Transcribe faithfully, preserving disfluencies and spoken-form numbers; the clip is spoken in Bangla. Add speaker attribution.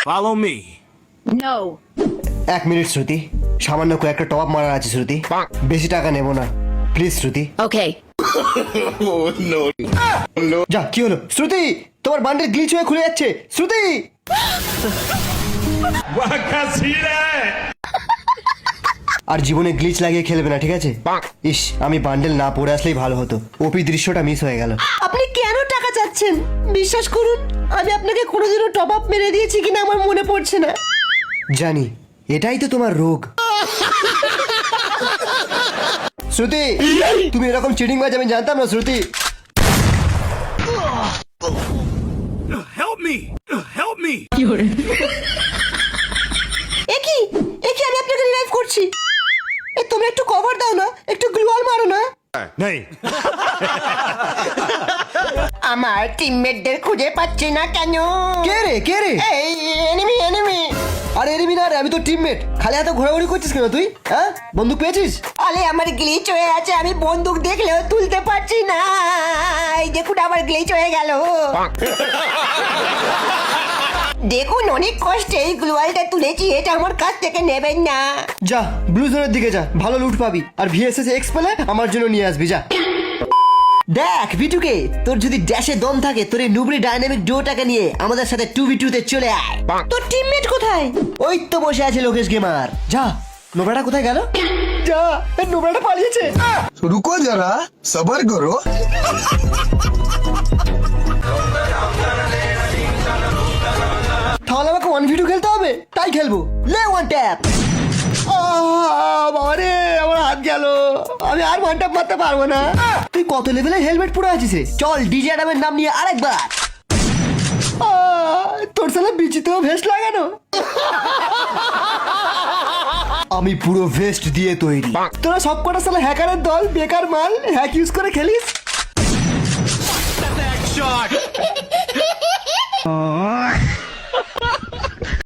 Speaker 1: Follow me.
Speaker 2: No.
Speaker 3: এক মিনিট শ্রুতি, সামান্য কয়েকটা টপ মারার আছে শ্রুতি, বেশি টাকা নেব না প্লিজ শ্রুতি।
Speaker 2: Okay.
Speaker 3: যা, কি হলো শ্রুতি? তোমার বান্ডেল গ্লিচ হয়ে খুলে যাচ্ছে শ্রুতি। আর জীবনে গ্লিচ লাগিয়ে খেলবে না, ঠিক আছে? ইস, আমি বান্ডেল না পড়ে আসলেই ভালো হতো, ওপি দৃশ্যটা মিস হয়ে গেল।
Speaker 4: আপনি কেন টাকা চাচ্ছেন? বিশ্বাস করুন, আমি আপনাকে কোনোদিনও টপ আপ মেরে দিয়েছি কিনা আমার মনে পড়ছে না।
Speaker 3: জানি, এটাই তো তোমার রোগ। শ্রুতি, তুমি এরকম চিটিং বাজ আমি জানতাম না শ্রুতি।
Speaker 1: Help me! Help me!
Speaker 4: একই একই আমি আপনাকে রিভাইভ করছি। এ তোমরা একটু কভার দাও না, একটু গ্লুয়াল মারো না।
Speaker 1: Nay.
Speaker 4: আমার টিমমেটদের খুঁজে পাচ্ছি না কেন?
Speaker 3: কে রে কে রে?
Speaker 4: এই এনিমি এনিমি।
Speaker 3: আরে এনিমি না রে, আমি তো টিমমেট। খালি হাতে ঘোরাঘুরি করছিস কেন তুই? হ্যাঁ, বন্দুক পেয়েছিস?
Speaker 4: আরে আমার গ্লিচ হয়ে আছে, আমি বন্দুক দেখলেও তুলতে পারছি না। এই দেখুন আমার গ্লিচ হয়ে গেল। দেখুন অনেক কষ্টে এই গ্লুয়ালটা তুলেছি, এটা আমার কাছ থেকে নেবেন না।
Speaker 3: যা ব্লু জোনের দিকে যা, ভালো লুট পাবি। আর ভিএসএস এক্স পেলে আমার জন্য নিয়ে আসবি, যা। দেখ বিটুকে, তোর যদি ড্যাশে দম থাকে, তোর এই নুবরি ডাইনামিক ডুয়োটাকে নিয়ে আমাদের সাথে টু ভি টু তে চলে আয়।
Speaker 4: তোর টিমমেট কোথায়?
Speaker 3: ওই তো বসে আছে লোকেশ গেমার। যা, নোবরাটা কোথায় গেল? যা, এই নোবরাটা পালিয়েছে।
Speaker 5: रुको जरा सबर करो।
Speaker 3: তাহলে আমাকে ওয়ান ভি টু খেলতে হবে, তাই খেলবো। লে ওয়ান ট্যাপ। বাবা রে, আমার হাত গেল, আমি আর ওয়ান ট্যাপ মারতে পারবো না। তুই কত লেভেলের হেলমেট পরে আছিস রে? চল ডিজে অ্যাডামের নাম নিয়ে আরেকবার। আহ, তোর সালা বিচিতেও ভেস্ট লাগানো। আমি পুরো ভেস্ট দিয়ে তৈরি। তোরা সব কটা সালা হ্যাকারের দল, বেকার মাল, হ্যাক ইউজ করে খেলিস।
Speaker 1: Shot!